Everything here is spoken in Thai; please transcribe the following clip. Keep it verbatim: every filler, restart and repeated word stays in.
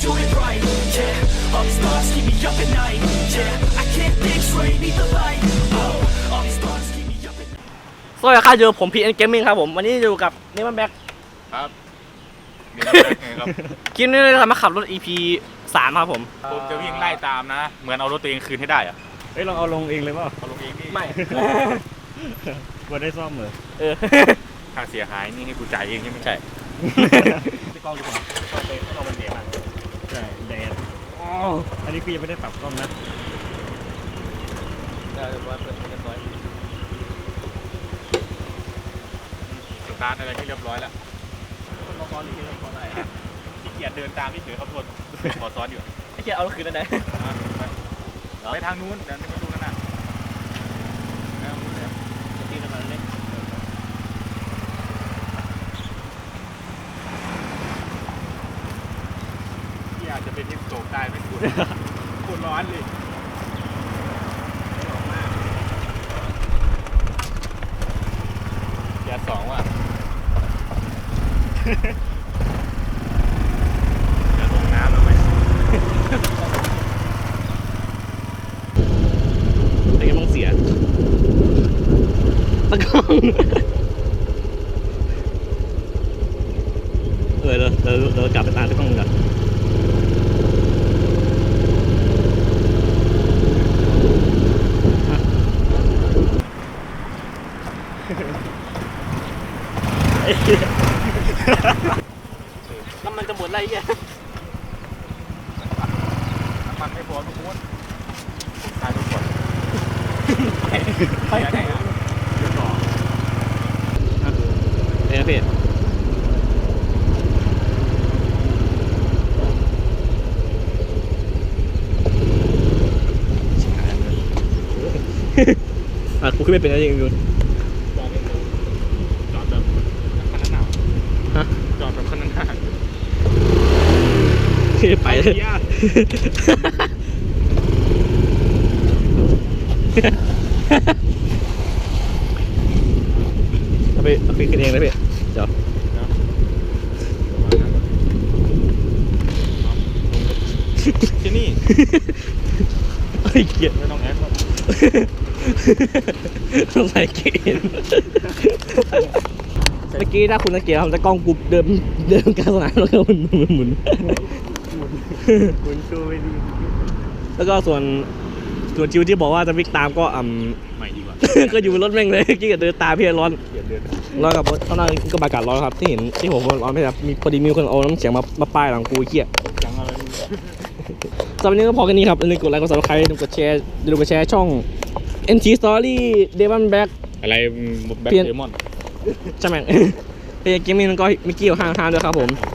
do it right. Yeah, all these thoughts keep me up at night. Yeah, I can't think straight, need the light. Oh, all these thoughts keep me up at night. สวัสดีครับอยู่ผม พี เอ็น Gaming ครับผมวันนี้อยู่กับนี่มันแบ็คครับนี่เป็นไงครับคลิปนี้เราจะมาขับรถ อี พี สามครับผมผมจะวิ่งไล่ตามนะ เหมือนเอารถตัวเองคืนให้ได้อะเฮ้ยลองเอาลงเองเลยเปล่าเอาลงเองนี่ไม่กลัวได้ซ่อมเหรอเออค่าเสียหายนี่ให้กูจ่ายเองใช่ไหมใช่พี่กล้องดีกว่าก็เลยให้เราเป็นเดมันใช่แดดอ๋ออันนี้คือยังไม่ได้ปรับกล้องนะสตาร์ทอะไรที่เรียบร้อยแล้วคนซ้อนนี่คือคนอะไรขี้เกียจเดินตามที่เฉยครับทุกคนขอซ้อนอยู่ไอ้เหี้ยเอารถคืนได้ไหนไปทางนู้นเดี๋ยวไปดูกันนะที่อาจจะเป็นที่โศกได้ไม่คุณคุณร้อนเลยยาสองว่ะจะลงน้ำแล้วไหมแต่ยังต้องเสียตะกล้องเออเราเราเรากลับไปตามตะกล้องกันน้ำมันจะหมดไรเงี้ยน้ำมันไม่พอทุกคนตายทุกคนไปไหนอ่ะเดี๋ยวต่อเอ้ยพี่อ่ะกูขึ้นไม่เป็นอะไรอย่างเงี้ยบอกไม่ถูกจอดแบบคันนั้นหนาวฮะจอดแบบคันนั้นหนาวไปเลยเอาไปเอาไปขึ้นเองเลยพี่เดี๋ยวที่นี่ไอ้เกียร์ไม่ต้องแอดหรอกต้องใส่เกณฑ์เมื่อกี้ถ้าคุณสังเกตทำตะกล้องกูเดินเดินกลางสนามแล้วก็หมุนหมุนหมุนคุณชูไม่ดีแล้วก็ส่วนส่วนจิวที่บอกว่าจะวิ่งตามก็อ่ใหม่ดีกว่าำ ก็อยู่บนรถแม่งเลยกี้ก็เดินตามพี่ร้อนเปลี่ยนเดือนร้อนกับข้างหน้าก็อากาศร้อนครับที่เห็นที่ผมร้อนไม่ครับมีพอดีมีคนเอาน้ำเสียงมามาป้ายหลังกูเกี้ยยังอะไรสำหรับวันนี้ก็พอแค่นี้ครับอย่าลืมกดไลค์กดซับสไครต์อย่าลืมกดแชร์อย่าลืมกดแชร์ช่อง เอ็น ที Story Demon Black อะไรแบ็คเปลี่ยนเดมอนใช่ไหม เฮ้ยเกมมิ่งก็มิกกี้ห้างห้างด้วยครับผม